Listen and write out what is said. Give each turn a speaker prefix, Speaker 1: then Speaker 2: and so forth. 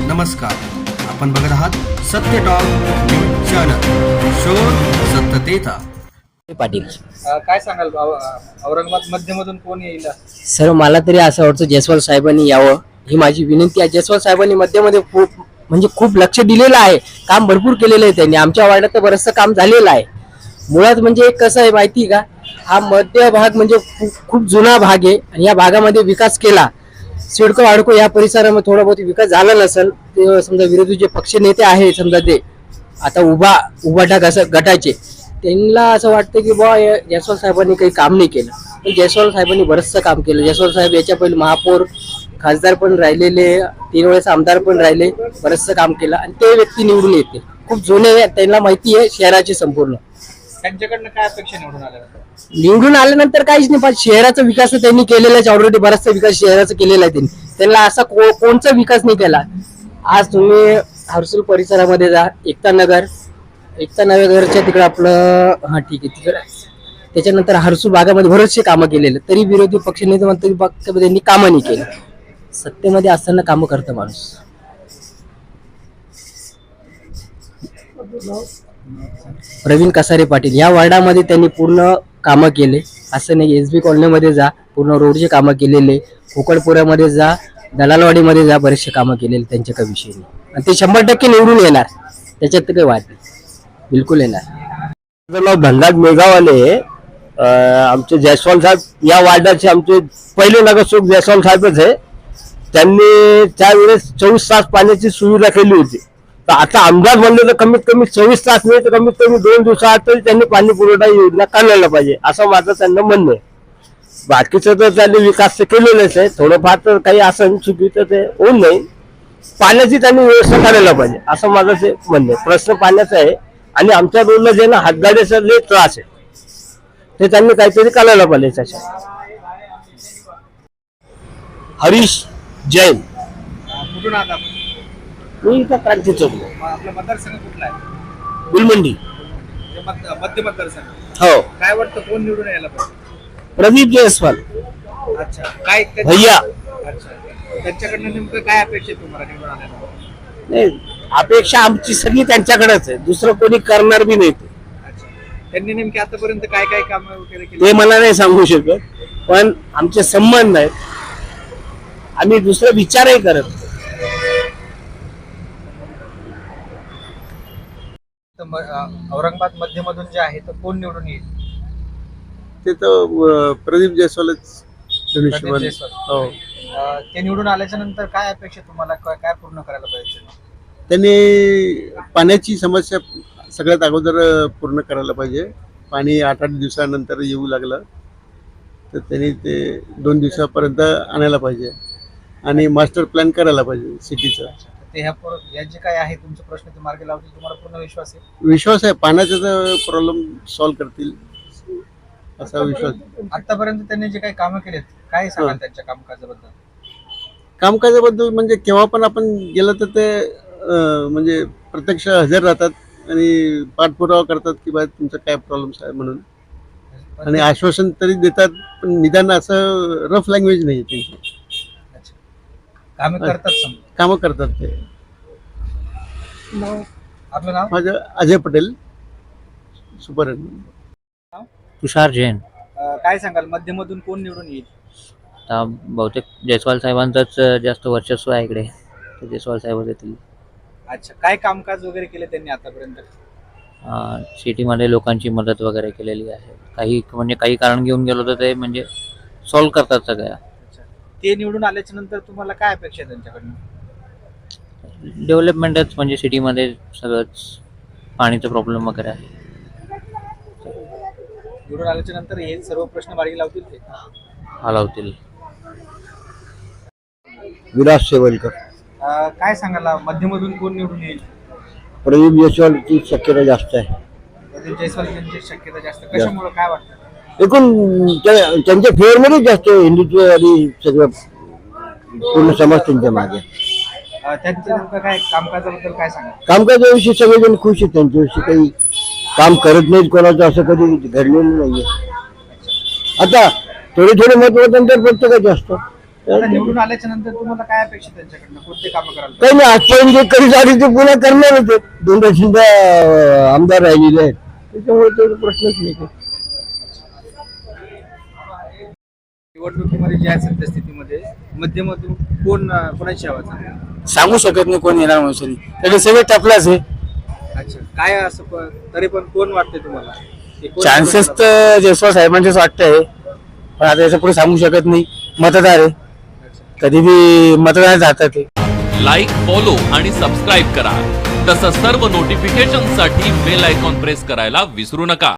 Speaker 1: नमस्कार, आपण बघत आहात सत्य टॉक न्यूज चॅनल, शोध सत्यतेचा.
Speaker 2: पाटील
Speaker 3: काय सांगाल औरंगाबाद मध्यमधून कोण येईल?
Speaker 2: सर, मला तरी असं वाटतं जयस्वाल साहेबांनी यावं, ही माझी विनंती आहे. जयस्वाल साहेबांनी मध्यमध्ये खूप लक्ष दिलेलं आहे, काम भरपूर केलेलं आहे त्यांनी. आमच्या वार्डात तर बरंचसं काम झालेलं आहे. मुळात म्हणजे कसं आहे माहिती का, हा मध्य भाग म्हणजे खूप जुना भाग आहे आणि या भागामध्ये विकास केला. सिडको वाडको या परिसरामध्ये थोडा बहुत विकास झाला नसेल, ते समजा विरोधी जे पक्ष नेते आहे, समजा ते आता उभाटा गटाचे, त्यांना असं वाटतं की बुवा जयस्वाल साहेबांनी काही काम नाही केलं. पण जयस्वाल साहेबांनी बरंचसं काम केलं. जयस्वाल साहेब याच्या पहिले महापौर खासदार पण राहिलेले, 3 वेळेस आमदार पण राहिले, बरंचसं काम केलं आणि ते व्यक्ती निवडून येते. खूप जुने, त्यांना माहिती आहे शहराची संपूर्ण.
Speaker 3: त्यांच्याकडनं काय अपेक्षा
Speaker 2: निवडून आल्यानंतर काहीच नाही, पण शहराचा विकास त्यांनी केलेला आहे. ऑलरेडी बराचसा विकास शहराचा केलेला आहे त्यांनी. त्यांना असा कोणचा विकास नाही केला. आज तुम्ही हर्सूल परिसरामध्ये जा, एकता नगरच्या तिकडे आपलं ठीक आहे तिकडे, त्याच्यानंतर हर्सूल भागामध्ये बरेचसे कामं केलेले, तरी विरोधी पक्ष नेते म्हणतात त्यांनी कामं नाही केलं. सत्तेमध्ये असताना कामं करतं माणूस. प्रवीण कसारे पाटील या वार्डामध्ये त्यांनी पूर्ण कामं केले. असं नाही, SB कॉलनीमध्ये जा, पूर्ण रोडचे कामं केलेले, कोकडपुऱ्यामध्ये जा, दलालवाडीमध्ये जा, बरेचसे कामं केलेले त्यांच्या काही विषयी नाही. आणि ते 100% निवडून येणार, त्याच्यात तर काही वाद नाही, बिलकुल येणार.
Speaker 4: माझं नाव धनराज मेघावाले. आमचे जयस्वाल साहेब या वार्डाचे आमचे पहिले नगरसेवक जयस्वाल साहेबच आहे. त्यांनी त्यावेळेस 24 तास पाण्याची सुविधा केली होती. तर आता आमदार बनले तर कमीत कमी 24 तास नाही तर कमीत कमी 2 दिवसात तरी त्यांनी पाणी पुरवठा योजना काढायला पाहिजे, असं माझं त्यांना म्हणणं आहे. बाकीचं तर त्यांनी विकास तर केलेलंच आहे, थोडंफार तर काही असं चुकीचं ते होऊ नये. पाण्याची त्यांनी व्यवस्था करायला पाहिजे, असं माझं ते म्हणणं आहे. प्रश्न पाण्याचा आहे आणि आमच्या रोडला जे ना हातगाड्याचा लय त्रास आहे, ते त्यांनी काहीतरी करायला पाहिजे. त्याच्या हरीश जैन,
Speaker 3: कुठून आहात आपण?
Speaker 4: मी इथं क्रांती चौक,
Speaker 3: आपला मतदारसंघ कुठला आहे?
Speaker 4: गुलमंडी.
Speaker 3: मध्य मतदारसंघ.
Speaker 4: हो,
Speaker 3: काय वाटतं कोण निवडून यायला पाहिजे?
Speaker 4: प्रदीप जयस्वाल
Speaker 3: अच्छा, काय
Speaker 4: भैया.
Speaker 3: अच्छा, त्यांच्याकडनं नेमकं काय अपेक्षा आहे तुम्हाला निवडून आल्याला?
Speaker 4: नाही, अपेक्षा आमची सगळी त्यांच्याकडेच आहे, दुसरं कोणी करणार बी नाही.
Speaker 3: अच्छा, त्यांनी नेमकी आतापर्यंत काय काय कामं वगैरे
Speaker 4: ते
Speaker 3: केली?
Speaker 4: मला नाही सांगू शकत, पण आमचे संबंध आहेत, आम्ही दुसरा विचारही करत नाही.
Speaker 3: औरंगाबाद मध्यमधून जे आहे तर कोण निवडून येईल?
Speaker 5: ते तर प्रदीप जयस्वालच
Speaker 3: प्रदीप जयस्वाल.
Speaker 5: हो,
Speaker 3: ते निवडून आल्याच्या नंतर काय अपेक्षा तुम्हाला, काय पूर्ण करायला पाहिजे?
Speaker 5: त्यांनी पाण्याची समस्या सगळ्यात अगोदर पूर्ण करायला पाहिजे. पाणी 8-8 दिवसानंतर येऊ लागलं तर त्यांनी ते 2 दिवसापर्यंत आणायला पाहिजे आणि मास्टर प्लॅन करायला पाहिजे सिटीचा.
Speaker 3: ते या जे काय आहे तुमचे प्रश्न ते मार्गी लावतील, तुम्हाला पूर्ण विश्वास आहे?
Speaker 5: विश्वास आहे, पाण्याचा तर प्रॉब्लेम सॉल्व्ह करतील असा विश्वास.
Speaker 3: आतापर्यंत त्यांनी जे काही कामं केलेत, काय सांगाल त्यांच्या कामकाजाबद्दल?
Speaker 5: कामकाजाबद्दल म्हणजे केव्हा पण आपण गेलं तर ते म्हणजे प्रत्यक्ष हजर राहतात आणि पाठपुरावा करतात की बा तुमचा काय प्रॉब्लेम्स आहे म्हणून, आणि आश्वासन तरी देतात, पण निदान असं रफ लँग्वेज नाही त्यांची.
Speaker 3: कामं करतात,
Speaker 5: कामं करतात ते.
Speaker 3: आपलं नाव?
Speaker 5: माझं अजय पटेल, सुपर.
Speaker 6: तुषार जैन.
Speaker 3: काय सांगाल मध्यमधून कोण निवडून येईल?
Speaker 6: आता बहुतेक जयस्वाल साहेबांचंच जास्त वर्चस्व आहे इकडे, तर जयस्वाल साहेब येतील.
Speaker 3: अच्छा, काय कामकाज वगैरे केले त्यांनी आतापर्यंत?
Speaker 6: सिटीमध्ये लोकांची मदत वगैरे केलेली आहे. काही कारण घेऊन गेलो तर ते म्हणजे सॉल्व्ह करतात सगळ्या.
Speaker 3: ते निवडून आल्याच्या नंतर तुम्हाला काय अपेक्षा आहे त्यांच्याकडनं?
Speaker 6: डेव्हलपमेंटच, म्हणजे सिटीमध्ये सगळंच पाणीचा प्रॉब्लेम वगैरे आहे.
Speaker 3: निवडून आल्याच्या नंतर हे सर्व प्रश्न मार्गी लावतील ते?
Speaker 6: हलवतील.
Speaker 4: विलास शेवलकर.
Speaker 3: काय सांगाल मध्यमधून कोण निवडून येईल?
Speaker 4: प्रदीप जयस्वालची शक्यता जास्त आहे.
Speaker 3: प्रदीप जयस्वाल यांची शक्यता जास्त, कशामुळे काय वाटतं?
Speaker 4: एकूण त्यांच्या फेवरमध्येच जास्त हिंदुत्व आणि सगळं पूर्ण समाज त्यांच्या मागे.
Speaker 3: त्यांचं नेमकं काय कामकाजाबद्दल काय सांगा?
Speaker 4: कामकाजाविषयी सगळेजण खुश आहेत, त्यांच्याविषयी काही काम करत नाहीत कोणाचं असं कधी घडलेलं नाहीये. आता थोडे महत्व त्यांच्या प्रत्येकाचे असतं.
Speaker 3: आता निवडून आल्याच्या नंतर तुम्हाला काय अपेक्षा त्यांच्याकडनं, कोणते कामं करायला
Speaker 4: काही नाही, आजपर्यंत जे करीत आले ते पुन्हा करणार होते. 2 आमदार राहिलेले आहेत, त्याच्यामुळे तो प्रश्नच नाही काही.
Speaker 3: निवडणुकीमध्ये ज्या सद्यस्थितीमध्ये मध्यमधून कोणाची हवा चालली?
Speaker 7: सांगू शकत नाही कोण येणार म्हणून, त्याचे सगळे टपलाच आहे.
Speaker 3: अच्छा, काय असं तरी पण कोण वाटते तुम्हाला की कोण
Speaker 7: चान्सेस
Speaker 3: निवडून
Speaker 7: तर जयस्वाल साहेबांचेच वाटतंय, पण आता याच्या पुढे सांगू शकत नाही. मतदार आहे, कधी बी मतदार जातात ते.
Speaker 8: लाईक, फॉलो आणि सबस्क्राईब करा. तसंच सर्व नोटिफिकेशनसाठी बेल आयकॉन प्रेस करायला विसरू नका.